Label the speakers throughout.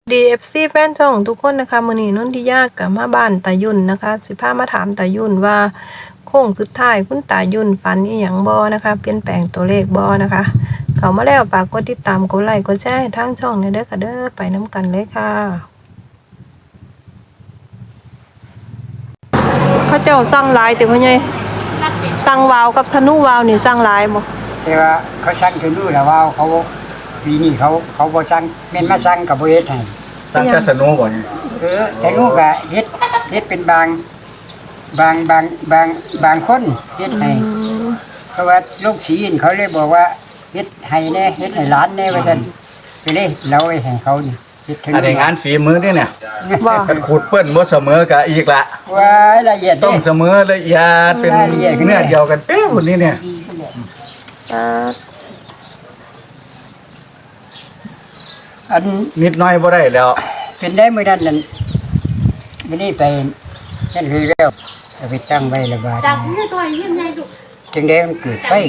Speaker 1: DFC แฟนช่องทุกคนนะคะมื้อนี้นนทิยากับมาบ้านตายุ่นนะคะสิพามาถามตายุ่นว่าโค้งสุดท้ายคุณตายุ่นฝันอีหยังบ่นะคะเปลี่ยนแปลงตัวเลขบ่นะคะเข้ามาแล้วฝากกดติดตามกดไลค์กดแชร์ให้ทางช่องเด้อค่ะเด้อไปน้ำกันเลยค่ะเขาเจ้าสั่งหลายติพ่อใหญ่สั่งวาวกับธนูวาวนี่สั่งหลายบ่
Speaker 2: แต่ว่าเขาสั่งคือรู้แล้วว่าเขาปีนี้เขาบ่สั่งแม่นมาสั่งกับบ่เฮ็ดให้
Speaker 3: สร้างกาสโนบ่เนี่ย
Speaker 2: แต่ลูกก็เฮ็ดเป็นบางคนเฮ็ดให้เพราะว่าลูกศิษย์เขาเลยบอกว่าเฮ็ดให้แน่เฮ็ดให้หลานแน่ว่าซั่นไปเลยเราไว้ให้เขานี่เฮ็ดถึง
Speaker 3: อันนี้งานฝีมือนี่เนี่ย
Speaker 1: ว่า
Speaker 3: กันขูดเปิ้นบ่เสมอกับอีกละ
Speaker 2: ว่าละเอียด
Speaker 3: ต้องเสมอละเอียดเป็นเนื้อเดียวกันเป๊ะคนนี้เนี่ย
Speaker 2: อัน
Speaker 3: นิดน้อยบ่ได้แล้ว
Speaker 2: เป็นได้มื้อนั้นนั่นมื้อนี้ไปนั่นคือแล้วเอาไปตั้งไว้ระบาด
Speaker 4: ดังนี่ตัวยังไงลูก
Speaker 2: จึงได้มันเกิดไฟ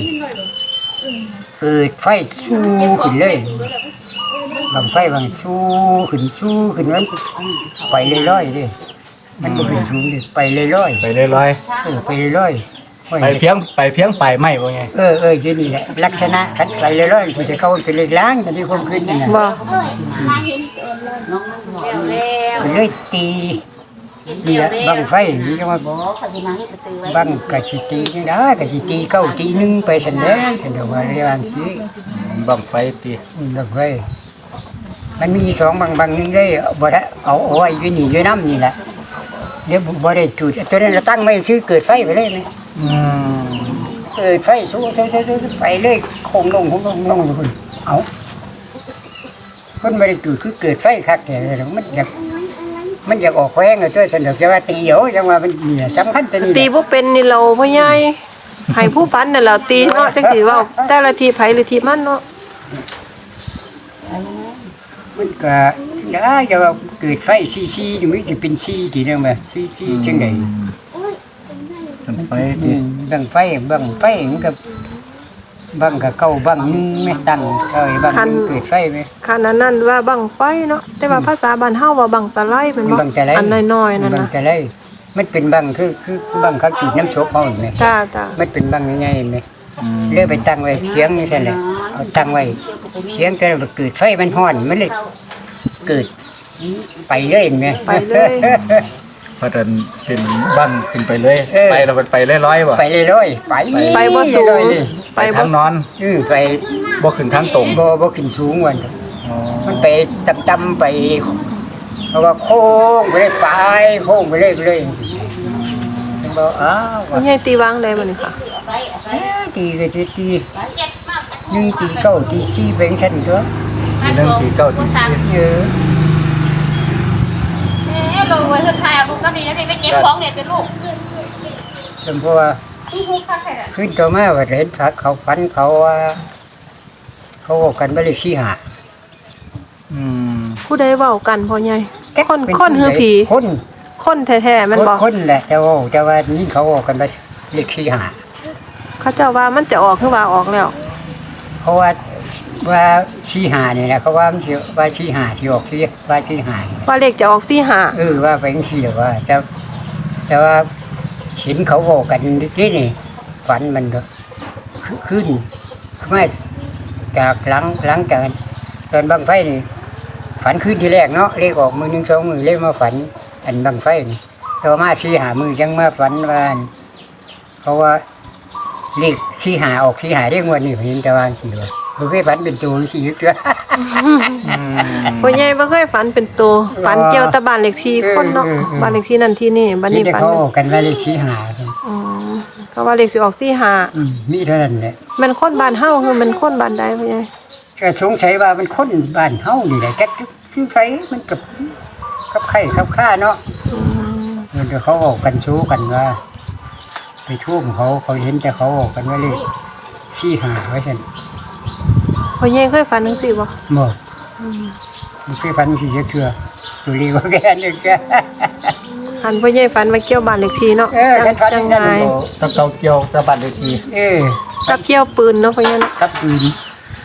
Speaker 2: ชูขึ้นเลยบางไฟบางชูขึ้นมันไปลอยๆเลยมันบ่ขึ้นสูงเลยไปลอย
Speaker 3: ไปเรื่อย
Speaker 2: ๆไปลอยๆโอ้ย
Speaker 3: ๆไปเพียงไปไม่บ่ไง
Speaker 2: อยู่นี่แหละลักษณะคันไปลอยๆสิจะเข้าเป็นเลขล้างแต่ที่ความขึ้นนี่น่ะ
Speaker 1: บ่
Speaker 4: มาเห็นตัวเลยน้องมันเร็ว
Speaker 2: ก็เลยตีนี่แหละบางไฟนี่จังว่า
Speaker 4: เขาจะมาให้ประตูไว้
Speaker 2: บางกะสิตีนี่นะกะสิตีเก้าตีหนึ่งไปซั่นแหละฉันว่าเรียนสิ
Speaker 3: บังไฟตี
Speaker 2: บางไฟมันมีสองบางนึงได้บ่ได้เอาไว้อยู่นี่อยู่น้ำนี่แหละเดี๋ยวบ่ได้จุดตัวนั้นเราตั้งไม่ซื้อเกิดไฟไปเลยไหม
Speaker 3: อืม
Speaker 2: เกิดไฟสู้ไปเลยคงลงทุกคนเอาคนไม่ได้จุดคือเกิดไฟคักแต่มันอยากออกแข้งเลยตัวสนุกจะว่าตีเหรอจังว่ามันเนี่ยสำคัญตัวนี้
Speaker 1: ตีบ่เป็นนี่เราพ่อใหญ่ให้ผู้ฝันน่ะเราตีเนาะจังสิเว้าแต่ละทีไผหรือทีมันเนาะ
Speaker 2: มันก็ได้จะว่าเกิดไฟซีอยู่มันจะเป็นซีกี่เรื่องแบบซีจังไง
Speaker 3: บังไฟตี
Speaker 2: บังไฟมันก็บังกับเก้าบังนึงไม่ตั้งบังนึงเกิดไฟไหม
Speaker 1: คันนั้นว่าบังไฟเนาะแต่ว่าภาษาบ้านเฮาว่าบังตะไลเป็นบ่
Speaker 2: บังแต่ไร
Speaker 1: อันน้อยๆนั่น
Speaker 2: บัง
Speaker 1: น่ะ
Speaker 2: แต่ไรมันเป็นบังคือบังเขาจุดน้ำโชกเขาเห็นไหม
Speaker 1: จ้า
Speaker 2: มันเป็นบังยังไงเห็นไหมเลื่อไปตั้งไว้เคียงนี่แค่ไหนเอาตั้งไว้เคียงแต่เกิดไฟมันห้อนมันเลยเกิดไปเลยเห็นไหม
Speaker 1: ไปเลย
Speaker 3: เพราะฉะนั้นเป็นบังขึ้นไปเลยไปเราไปลอยๆบ่
Speaker 2: ไปเลยไป
Speaker 1: บ่สูง
Speaker 2: เลย
Speaker 3: ไปทางนอน
Speaker 2: ไป
Speaker 3: บ่ขึ้นทางตรง
Speaker 2: บ่ขึ้นสูงวัน
Speaker 3: อ๋อ
Speaker 2: มันไปต่ำไปเพราะว่าโค้งไปเลยโค้งไปเลยมันบอกอ้าว
Speaker 1: พ่อใหญ่ตีวางได้บ่นี่ค่ะ
Speaker 2: ตีก็จะตีหนึ่งตีเก้าตีสี่เป็นชั้นตัว
Speaker 3: ทีนึงทีเก้าทีสี่
Speaker 2: เยอะ
Speaker 4: ลงไว้สุดท้ายลูกน้ำดีนะพี่ไม่เก็บของเด็ดเป็นลูก
Speaker 2: จนเพราะว่า
Speaker 4: ที่ทุกข้างใคร
Speaker 2: ขึ้นตัวมาว่าเห็นพักเขาฟันเขาว่าเขาบอกกันว่าเลขสี่หา
Speaker 3: อืม
Speaker 1: ผู้ใดเว้ากันพ่อใหญ่คนคือผี
Speaker 2: คน
Speaker 1: คนแท้ๆมันบ่
Speaker 2: คนแหละแต่ว่านี่เขาบอกกันว่าเลขสี่หา
Speaker 1: เขาเจ้าว่ามันจะออกคือว่าออกแล้ว
Speaker 2: เพราะว่าสี่หาเนี่ยนะเขาว่ามันสิว่าสี่หาที่ออกที่ว่าสี่หา
Speaker 1: ว่าเลขจะออก45
Speaker 2: ว่าไปจังซี่ว่าแต่ว่าเห็นเขาบอกกันนี่ฝันมันก็ขึ้นมาจากหลังจากตอนบังไฟนี่ฝันขึ้นที่แรกเนาะเลขออกมือ1 2 มือเลขมาฝันอันบังไฟนี่ต่อมา4 5 มือยังมาฝันว่าเพราะว่าเลข4 5ออก4 5เลขงวดนี้เห็นแต่ว่าสิว่าบ่เคยฝันเป็นตัวสิเด้อ
Speaker 1: พ่อใหญ่บ่เคยฝันเป็นตัวฝันเกี่ยวแต่บ้านเลขที่คนเนาะบ้านเลขที่นั่นที่นี่บ้าน
Speaker 2: นี่
Speaker 1: นี้
Speaker 2: แต่
Speaker 1: ฝัน
Speaker 2: เขาบอกกันว่าเลข4 5
Speaker 1: อ๋อเพราะว่าเลขสิออก45
Speaker 2: มีเท่านั้นแหละ
Speaker 1: มันคนบ้านเฮาคือมันคนบ้านใดพ่อใหญ่
Speaker 2: ก็สงสัยว่ามันคนบ้านเฮานี่แหละแกคือไผมันกับไข่กับข้าเนาะเดี๋ยวเขาบอกกันชู้กันว่า ไปท่วมเขาเห็นแต่เขาบอกกันว่าเลขชี้หาไว้ซั่น
Speaker 1: พ่อใหญ่เคยฝันจังซี่บ่
Speaker 2: บ่มันคือฟันสิเทื่อตัวเลขว่าแกนึกแก
Speaker 1: หันพ่อใหญ่ฝันว่าเกี่ยวบ้านเลขที่เนาะ
Speaker 2: ฉันฟัน
Speaker 1: จัง
Speaker 2: นั่น
Speaker 1: ไง
Speaker 2: บ่
Speaker 3: ตะเกาเกี่ยวตะบัดเลยที
Speaker 2: เออ
Speaker 1: กับเกี่ยวปืนเนาะพ่อใหญ่เนาะ
Speaker 2: กับปืน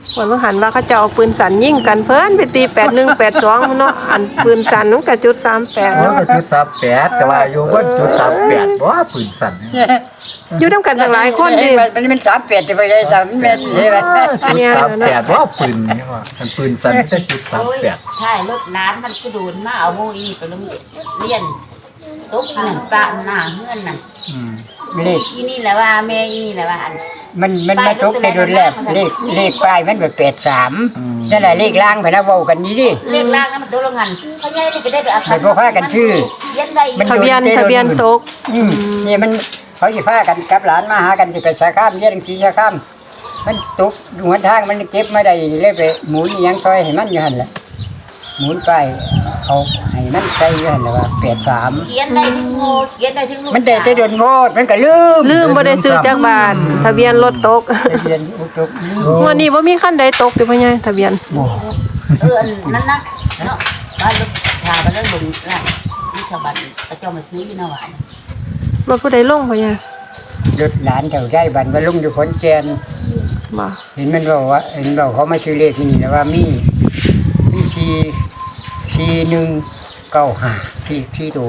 Speaker 1: วันว่าหันว่าเขาจะเอาปืนสั่นยิงกันเพิ่นไปตี8182เนาะอันปืนสั่นมันก็จุด38
Speaker 3: โอ้
Speaker 1: เนาะ
Speaker 3: ก็จุด38ก็ว่าอยู่บนจุด38บ่ปืนสั่นเนี่ย
Speaker 1: อยู่นํกันตั้งหลายคนดิ
Speaker 2: มัน38จะไปได้3เมตรเลยว่ะ
Speaker 3: จุด38บ่ปืนนี่ว่ามันปืนสั่นแต่จุด
Speaker 4: โอ้ย
Speaker 3: 38
Speaker 4: ใช่รถน้ำมันก็โดนมาเอาโมอีไปโรงเรียนตุ๊กหนึ่งปลาหน้าเฮือนนั่น
Speaker 2: เลข
Speaker 4: อีนี่แหละว่าแม่อีนี่แหละว่าอัน
Speaker 2: มันมาตกในโดนแรกเลขป้ายมันแบบ83นั่นแหละเลขล่างพะนะเว้ากันนี้ดิ
Speaker 4: เรียกล่างนั้นมันโดนโรงงานเขาใหญ่นี่ก็ได้ไปอา
Speaker 2: ให้พวกพากันชื่อ
Speaker 4: เย็นได้อีก
Speaker 1: ทะเบียนตก
Speaker 2: นี่มันเขาสิพากันกับหลานมาหากันสิไปสาขามเรียนหนังสือสาขามมันตกอยู่หนทางมันเก็บมาได้เลยไปหมุนอิหยังซอยให้มันอยู่หั่นแหละหมุนไปเอาให้มันใส่อยู่หั่นแหละว่า83
Speaker 4: เขียนได้ถึงโง่เขียนได้ถึงลูก
Speaker 2: มันได้แต่โดนโมดมันก็ลืม
Speaker 1: ลืมบ่ได้ซื้อจักบาททะเบียนรถตก
Speaker 2: ทะเบียนอุกตกลืม
Speaker 1: วันนี้บ่มีคันใดตกติพ่อใหญ่ทะเบียน
Speaker 4: อันนั้นนะเนาะบ้านลูกชาวบ้านเรื่องบุญนะนี่ชาวบ้านเขาเจ้ามาซื้ออยู่หน้าหวาน
Speaker 1: รถผู้ใดลงพ่อใหญ่
Speaker 2: รถหลานแถวใจบันว่าลุงอยู่ขอนแก่น
Speaker 1: บ่
Speaker 2: เห็นมันบอกว่าเห็นบอกเขามาซื้อเลขนี่นะว่ามี4195ตัว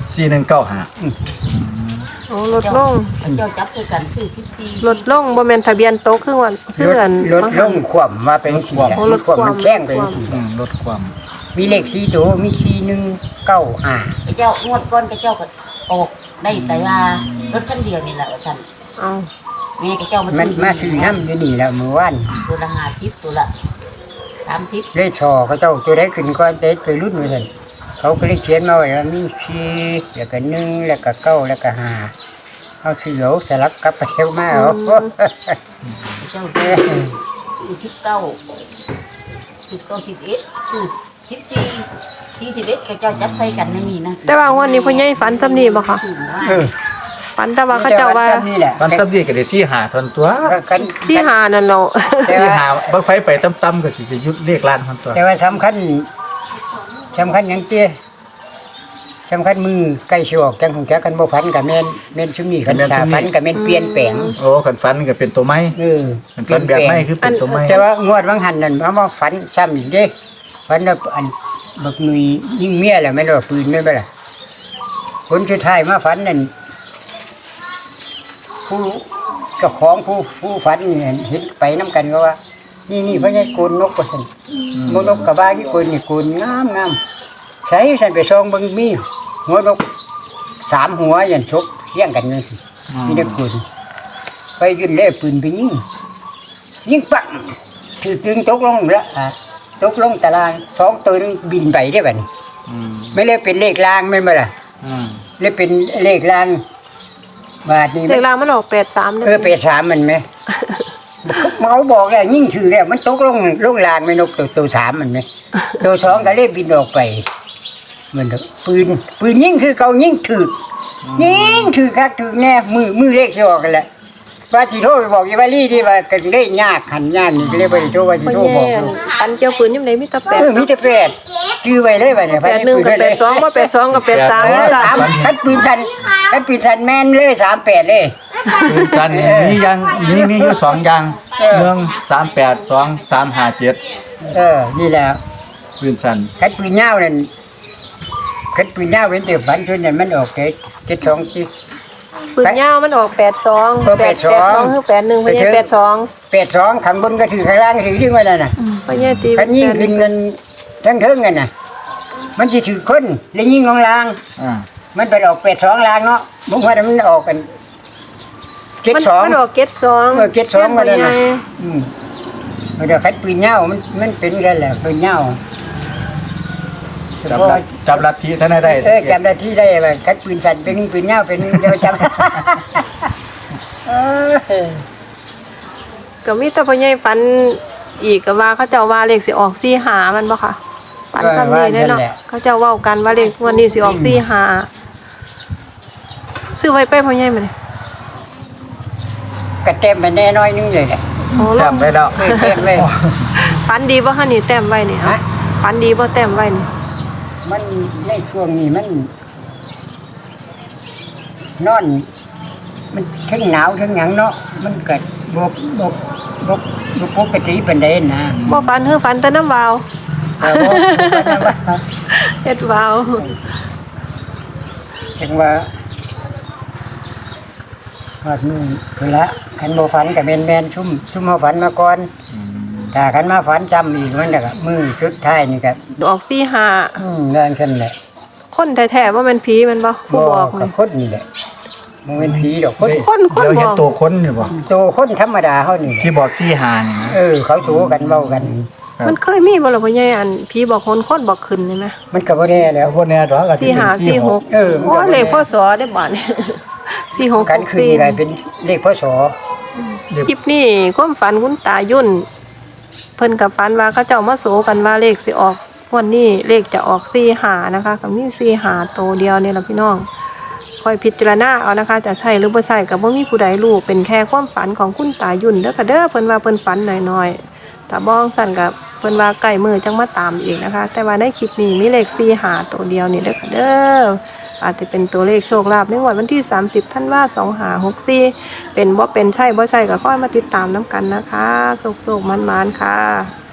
Speaker 3: 4195
Speaker 1: โอ้รถลง
Speaker 4: เจ้าจับคือกันซื้อ14
Speaker 1: รถลงบ่แม่นทะเบียนตกคือว่าคืออัน
Speaker 2: รถลงขวมมาเป็นสี
Speaker 1: โอ้รถคว่ำ
Speaker 2: มันแข้งเป็นสี
Speaker 3: ลดความ
Speaker 2: มีเลข4ตัวมี4195
Speaker 4: เจ้างวดก้อนเจ้าก็ออกได้แต่ว่ารถคันเดียวนี่แหละท่าน
Speaker 1: เอา
Speaker 4: แม่เจ้า
Speaker 2: มันมาซื้อน้ำอยู่นี่แล้วเมื่อวาน
Speaker 4: ตัวละ50ตัวละ30
Speaker 2: เลขชอเขาเจ้าตัวได้ขึ้นก็ได้ไปรุ่นเหมือนกันเขาก็เลยเขียนมาไว้ว่ามี4แล้วก็1แล้วก็9แล้วก็5เอาซื้อเอาสลับกลับไปเที่ยวมาเอา
Speaker 4: เจ้าซื้อ11เจ้าจับใส่กันไม่มีนะ
Speaker 1: แต่ว่าวันนี้พ่อใหญ่ฝันซำนี้บ่คะ
Speaker 2: เออ
Speaker 1: ฝันแต่ว่าเขาเจ้าว่า
Speaker 2: นี่แหละ
Speaker 3: มันสำดีก็ได้สิหาทนตัว
Speaker 2: กัน
Speaker 1: ที่หานั่นเนาะ
Speaker 3: สิหาบังไฟไปต่ำๆก็สิไปยุดเลขล้านทนตัว
Speaker 2: แต่ว่าสำคัญอย่างเตี้ยสำคัญมือใกล้สิออกจังของแกกันบ่ฝันกับแม่นชุมนี้คันชาฝันกับแม่นเปลี่ยนแปลง
Speaker 3: โอ้คันฟันก็เป็นตัวไม้
Speaker 2: เออ
Speaker 3: คันฟันแบบไม้คือเป็นตัวไม้
Speaker 2: แต่ว่างวดบางหันนั่นมาฝันซ้ำอีกเด้ฝันว่าอันบักหนุ่ยยิงเมียแล้วแม่นว่าปืนแม่นบ่ล่ะผลสุดท้ายมาฝันนั่นผู้เจ้าของผู้ฝันนี่เห็นไปนํกันก็ว่า นี่เพิ่นให้โกนนกว่าซั่นนกกระบาที่โกนนี่โกนงามใส่ฉันไปส่องเบิ่งมีหัวนก3หัวยันชกเลี้ยงกันเลยมีแต่โกนไปยืนเล่ปืนไปยิงปังถือตึงตกลงแล้วตกลงตาราง2ตัวนึงบินไปได้บัดนี้ไม่เลยเป็นเลขรางแม่นบ่ล่ะเลยเป็นเลขรางบาดนี้
Speaker 1: เลขรางมันออก83เด้
Speaker 2: 83มันไหม เมาบอกแล้วยิ่งถือแล้วมันตกลงลางไม่นกตัว3มันไหมตัว2ก็เลยบินออกไปมันปืนยิ่งคือเก่ายิ่งถือยิ่งถือคักถือแน่มือเลขสิออกกันแหละว่าสิโทรไปบอกอีวาลี่ที่ว่าก็เลยยากหันยากนี่ก็เลยบ่ได้โทรว่าสิ
Speaker 1: พ่อ
Speaker 2: โทร
Speaker 1: ให
Speaker 2: บ
Speaker 1: ญ่
Speaker 2: อกลูก
Speaker 1: อันเจ้าปืนยามใดมีแต่8
Speaker 2: มีแต่แปดชื่อไว้เลยว่าเนี่ย
Speaker 1: 81กับ82บ่82กับ83แล้วล่ะ
Speaker 2: คันปืนสันแม่นเลย38เลย
Speaker 3: ปืนสั้นมีอย่างมีอยู่2อย่าง1 38 2 357
Speaker 2: นี่แหละ
Speaker 3: ปืนสั้น
Speaker 2: คันปืนยาวนั่นคันปืนยาวเว้นแต่ฝันชุดนั้นมันออก72ที่
Speaker 1: ปืนยาวมันออก82
Speaker 2: เออ82
Speaker 1: คือ81พ่อใหญ่82
Speaker 2: 82ข้างบนก็ถือข้างล่างก็ถือดึงไว้นั่นน่ะ
Speaker 1: พ่อใหญ่ตี
Speaker 2: คันยิ่งขึ้นเงินทั้งเทิงกันน่ะมันสิถือคนแล้วยิ่งของล่าง มันไปออก82ล่างเนาะบ่ว่ามันออกกัน
Speaker 1: มันออก72
Speaker 2: 72ก็ได้นะเดี๋ยวคันปืนยาวมันเป็นกันแหละปืนยาว
Speaker 3: จับลัทธิท่านได้
Speaker 2: จำได้ที่ได้ว่าคันปืนสั่นเป็นปืนยาวเป็นเดี๋ยวจำ
Speaker 1: ก็มีแต่พ่อใหญ่ฝันอีกก็ว่าเขาเจ้าว่าเลขสิออก45มันบ่ค่ะฝันซ้ำนี้เด้เนาะเขาเจ้าเว้ากันว่าเลขวันนี้สิออก45ซื้อไว้ไปพ่อใหญ่มาเลย
Speaker 2: กระเต็มไปแน่น้อยนึงเลยแหละ
Speaker 1: โอ้ล
Speaker 3: จั
Speaker 1: ง
Speaker 3: บไว้แล้ว
Speaker 2: เต็มเลย
Speaker 1: ฝันดีบ่คะนี่แต้มไว้นี่ฮะฝันดีบ่แต้มไว้นี่
Speaker 2: มันในช่วงนี้มันนอน มันทั้งหนาวทั้งหยังเนาะมันเกิดบ่บ่บ่บ่ปกติปานใดนะ
Speaker 1: บ่ฝันฝันแต่น้ำวาว
Speaker 2: แต่ว่า
Speaker 1: เฮ็ดวาว
Speaker 2: จังว่าฮอดมื้อพุ่นละคันบ่ฝันก็แม่นๆซุ่มเฮาฝันมาก่อนถ้าคันมาฝันจำอีกมันก็มื้อสุดท้ายนี่ก็
Speaker 1: ออก45
Speaker 2: นั่นคั่นแหละ
Speaker 1: คนแท้ๆว่ามันผีแมันบ่ผู้บอก
Speaker 2: กั
Speaker 1: นี่
Speaker 2: บคนนี่แหละบ่แม่นผีดอกคน
Speaker 1: คน
Speaker 3: เดี๋ยว
Speaker 1: บ
Speaker 3: เห็น
Speaker 1: อก
Speaker 3: ตัวคนอยู่บ่
Speaker 2: โตคนธรรมดาเฮานี่แหละ
Speaker 3: ที่บอก4 5นี่นะ
Speaker 2: เขาสู้กันเว้ากัน
Speaker 1: มันเคยมีบ่ล่ะพ่อใหญ่อันผีบอกคนบอกขึ้นนี่แหม
Speaker 2: มันก็บ่แน่แล้
Speaker 3: แล้ว วพวกเนี้ยดอกก็สิเป็น
Speaker 1: 45 46
Speaker 2: เออมัน
Speaker 1: โอ้
Speaker 2: ก็
Speaker 1: ยเลขพศได้บ่นี่
Speaker 2: กันขึ้นกลายเป็นเลขพศ
Speaker 1: 4664คลิปนี้ความฝันคุณตายุ่น เพิ่นกับฝันว่าเขาเจ้ามาโสกันว่าเลขสิออกวันนี้เลขจะออก45นะคะก็มี45ตัวเดียวนี่ล่ะพี่น้องคอยพิจารณาเอานะคะ จะใช่หรือบ่ใช่ก็บ่มีผู้ใดรู้เป็นแค่ความฝันของคุณตายุ่นเด้อค่ะเด้อเพิ่นว่าเพิ่นฝันน้อยๆถ้าบ้องสั่นกับเพิ่นว่าใกล้มือจังมาตามอีกนะคะ แต่ว่าในคลิปนี้มีเลข45ตัวเดียวนี่เด้อค่ะเด้ออาจจะเป็นตัวเลขโชคลาภในวันที่30ธันวาคม2564เป็นบ่เป็นใช่บ่ใช่ก็ค่อยมาติดตามนํกันนะคะโชคๆมันๆค่ะ